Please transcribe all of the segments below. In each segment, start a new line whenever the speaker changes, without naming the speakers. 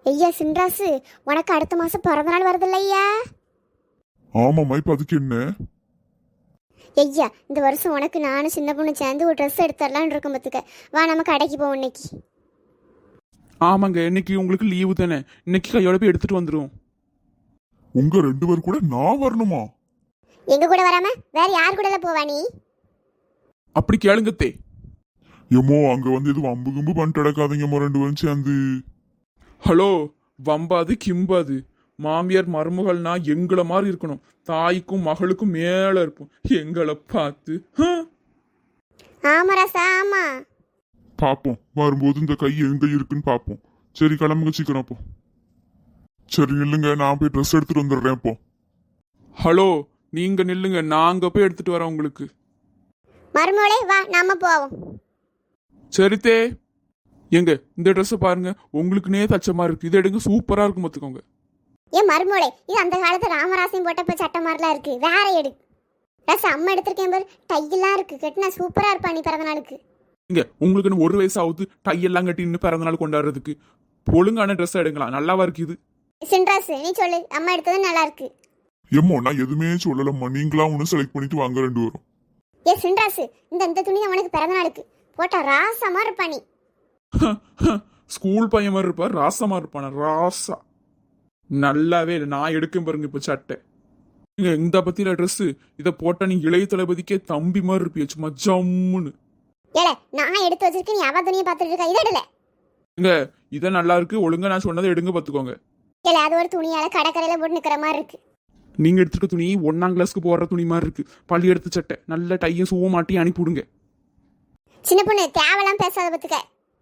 ஐயா சின்ராசு, உனக்கு அடுத்த மாசம் பிறந்த நாள் வருது இல்லையா?
ஆமாம்மா, இப்ப அதுக்கு என்ன?
ஐயா, இந்த வருஷம் உனக்கு நானும் சின்ன பொண்ணு சேர்ந்து ஒரு ட்ரெஸ் எடுத்துடலான்னு இருக்கோம். பத்துக்க வா, நம்ம கடைக்கு போவோம் இன்னைக்கு.
ஆமாங்க, இன்னைக்கு உங்களுக்கு லீவு தானே, இன்னைக்கு கையோட போய் எடுத்துட்டு வந்துடும்.
உங்க 2 பேர் கூட நான் வரணுமா?
எங்க கூட வராம வேற யார் கூட போவா நீ?
அப்படி கேளுங்கத்தே.
ஏமோ அங்க வந்து எதுவும் அம்பு கும்பு பண்ணிட்டு கிடக்காதீங்கம்மா 2 பேரும் சேர்ந்து.
ஹலோ, வம்பாது கிம்பாது, மாமியார் மருமகள்னா எங்களை மாதிரி இருக்கணும், தாய்க்கும் மகளுக்கும் மேல இருப்போம். எங்களை பார்த்து
ஆமா ராசா, ஆமா.
பாப்போம், வரும்போது இந்த கை எங்க இருக்குன்னு பாப்போம். சரி, கிளம்புங்க சீக்கிரம். அப்போ சரி நில்லுங்க, நான் போய் ட்ரெஸ் எடுத்துட்டு வந்துடுறேன். இப்போ
ஹலோ, நீங்க நில்லுங்க, நாங்க போய் எடுத்துட்டு வரோம் உங்களுக்கு.
மருமகளே வா, நாம போவோம்.
சரித்தே. எங்க இந்த ட்ரெஸ்ஸை பாருங்க, உங்களுக்குனே தச்ச மாதிரி இருக்கு, இதை எடுங்க, சூப்பரா இருக்கும் பார்த்துக்கோங்க.
ஏன் மருமகளே, இது அந்த காலத்து ராமராசையும் போட்டப்ப சட்டை மாதிரிலாம் இருக்கு, வேற எடு. ராசா, அம்மா எடுத்திருக்கேன் பாரு, டையெல்லாம் இருக்கு, கட்டினா சூப்பரா இருப்பா நீ பிறந்த நாளுக்கு.
இங்க உங்களுக்குன்னு 1 வயசு ஆகுது, டையெல்லாம் கட்டி இன்னும் பிறந்த நாள் கொண்டாடுறதுக்கு. ஒழுங்கான ட்ரெஸ் எடுங்களா, நல்லாவா இருக்கு இது?
சின்ராசு, நீ சொல்லு, அம்மா எடுத்தது நல்லா இருக்கு.
ஏமோ நான் எதுவுமே சொல்லலம்மா, நீங்களா ஒன்று செலக்ட் பண்ணிட்டு வாங்க 2 பேரும்.
ஏ சின்ராசு, இந்த துணி தான் உனக்கு பிறந்த நாளுக்கு போட்டா ராசமா இருப்பா நீ.
ஸ்கூல் பையன் மாதிரி இருப்பா, ராசமா இருப்பான ராசா. நல்லாவே இல்லை, நான் எடுக்கும் பாருங்க இப்ப சட்டை. இங்க இந்த பத்தியில ட்ரெஸ் இதை போட்டா நீ இளைய தளபதிக்கே தம்பி மாதிரி இருப்பிய, சும்மா ஜம்முன்னு.
ஏல, நான் எடுத்து வச்சிருக்கேன், நீ அவ துணியை பார்த்துட்டு இருக்கா, இதை எடுல.
இங்க இதை நல்லா இருக்கு, ஒழுங்கா நான் சொன்னதை எடுங்க பாத்துக்கோங்க.
ஏல, அது ஒரு துணியால கடற்கரையில போட்டு நிக்கிற மாதிரி இருக்கு.
நீங்க எடுத்துக்க துணி 1ஆம் கிளாஸ்க்கு போடுற துணி மாதிரி இருக்கு, பள்ளி எடுத்து சட்டை, நல்ல டையும் சூவ மாட்டி அனுப்பிவிடுங்க.
சின்ன பொண்ணு தேவலாம் பேசாத பத்துக்க.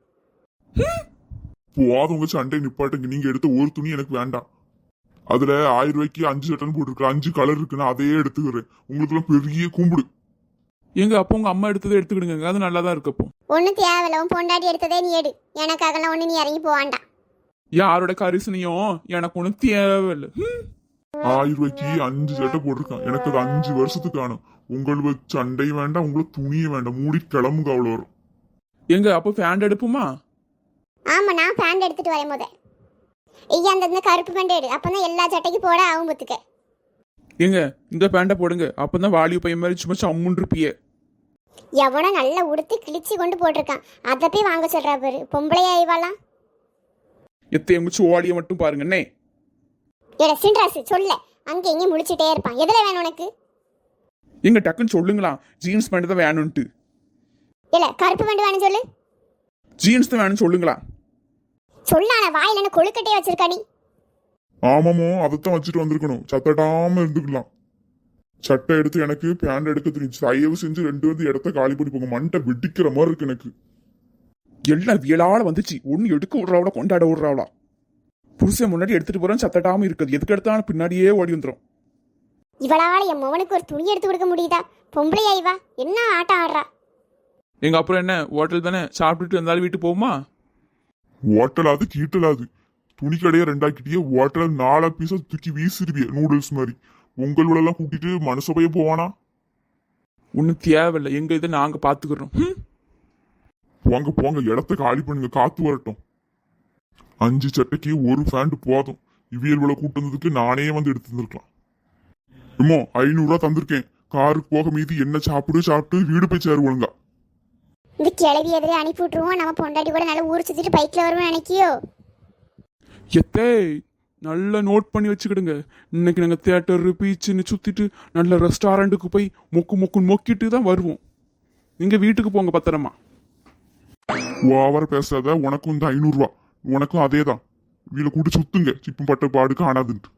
போதுங்க சண்டை நிப்பாட்டுங்க. நீங்க எடுத்த ஒரு துணி எனக்கு வேண்டாம். அதுல 1000 ரூபாய்க்கு 5 சட்டன் போட்டிருக்கு, 5 கலர் இருக்குன்னு அதையே எடுத்துக்கிறேன். உங்களுக்குலாம் பெரிய கும்பிடு.
எங்க அப்போ உங்க அம்மா எடுத்ததை எடுத்துக்கிடுங்க, அது நல்லா தான் இருக்கு. அப்போ
ஒண்ணு தேவையில்ல, உன் பொண்டாட்டி எடுத்ததே நீ எடு, எனக்காகலாம் ஒண்ணு நீ இறங்கி போவாண்டா.
யாரோட கரிசனையும் எனக்கு ஒன்றும் தேவையில்லை.
1000 ரூபாய்க்கு 5 சட்டை போட்டிருக்கான், எனக்கு அது 5 வருஷத்துக்கு ஆனும். உங்களுக்கு சண்டை வேண்டாம், உங்களுக்கு துணியே வேண்டாம், மூடி கிளம்புங்க. அவ்வளோ வரும்.
எங்க அப்போ ஃபேண்ட் எடுப்புமா?
ஆமா, நான் பேண்ட் எடுத்துட்டு வரேன் போத. ஐயா, அந்த கருப்பு பேண்ட் எடு, அப்பதான் எல்லா சட்டைக்கு போட ஆகும் பத்துக்க.
எங்க இந்த பேண்டை போடுங்க, அப்பதான் வாலிய பையன் மாதிரி சும்மா சம்முன்னு இருப்பியே.
எவனோ நல்லா உடுத்தி கிழிச்சு கொண்டு போட்டிருக்கான், அதை போய் வாங்க சொல்றா பாரு, பொம்பளையா இவாலாம்.
எத்த எங்க சோழிய மட்டும் பாருங்கண்ணே.
ஏட சின்ராசு, சொல்ல அங்கே இங்கே முடிச்சுட்டே இருப்பான். எதுல வேணும் உனக்கு?
எங்க டக்குன்னு சொல்லுங்களா, ஜீன்ஸ் பேண்ட் தான் வேணும்ட்டு.
இல்ல, கருப்பு பேண்ட் வேணும் சொல்லு.
ஜீன்ஸ் தான் வேணும்னு சொல்லுங்களா.
சொல்லான வாயில என்ன கொழுக்கட்டையே வச்சிருக்கா நீ?
ஆமாமோ, அதைத்தான் வச்சுட்டு வந்திருக்கணும், சத்தடாம இருந்துக்கலாம். சட்டை எடுத்து எனக்கு பேண்ட் எடுக்க தெரிஞ்சு, தயவு செஞ்சு 2 வந்து இடத்த காலி பண்ணி போங்க. மண்டை வெடிக்கிற மாதிரி இருக்கு எனக்கு.
எல்லாம் வியலால வந்துச்சு, ஒன்னு எடுக்க விடுறாவளா கொண்டாட விடுறாவளா. புருஷன் முன்னாடி எடுத்துட்டு போறேன், சத்தட்டாம இருக்குது, எதுக்கு எடுத்தாலும் பின்னாடியே ஓடி வந்துடும்.
இவளால என் மவனுக்கு ஒரு துணி எடுத்து கொடுக்க முடியுதா? பொம்பளையா இவா, என்ன ஆட்டம் ஆடுறா?
எங்க அப்புறம் என்ன, ஹோட்டல் தானே, சாப்பிட்டுட்டு வந்தாலும் வீட்டுக்கு போகுமா?
ஓட்டலாது கீட்டலாது, துணி கடையை 2ஆக்கிட்டே ஓட்டல 4 பீஸா தூக்கி வீசிருவிய நூடுல்ஸ் மாதிரி. உங்களெல்லாம் கூட்டிட்டு மனசபைய போவானா?
ஒன்னும் தேவையில்லை, எங்க இதை நாங்க பாத்துக்கிறோம்.
போங்க போங்க, இடத்த காலி பண்ணுங்க, காத்து வரட்டும். 5 சட்டைக்கு 1 ஃபேண்ட் போதும். இவியல்களை கூட்டு வந்ததுக்கு நானே வந்து எடுத்து தந்திருக்கலாம். இம்மோ 500 ரூபா தந்திருக்கேன், காருக்கு போக மீதி என்ன சாப்பிட்டு வீடு போய் சேரு ஒழுங்கா.
இந்த கிளவி எதிரே அனுப்பி விட்டுருவோம், நம்ம பொண்டாட்டி கூட நல்லா ஊர் சுத்திட்டு பைக்ல வருவோம் நினைக்கியோ?
எத்தே நல்லா நோட் பண்ணி வச்சுக்கிடுங்க. இன்னைக்கு நாங்கள் தியேட்டர் பீச்சுன்னு சுத்திட்டு நல்ல ரெஸ்டாரண்ட்டுக்கு போய் மொக்குன்னு மொக்கிட்டு தான் வருவோம். நீங்க வீட்டுக்கு போங்க பத்திரமா.
ஓவர பேசாத. உனக்கும் இந்த 500 ரூபா, உனக்கும் அதே தான். வீல கூட்டு சுத்துங்க, சிப்பும் பட்ட பாடு காணாதுன்ட்டு.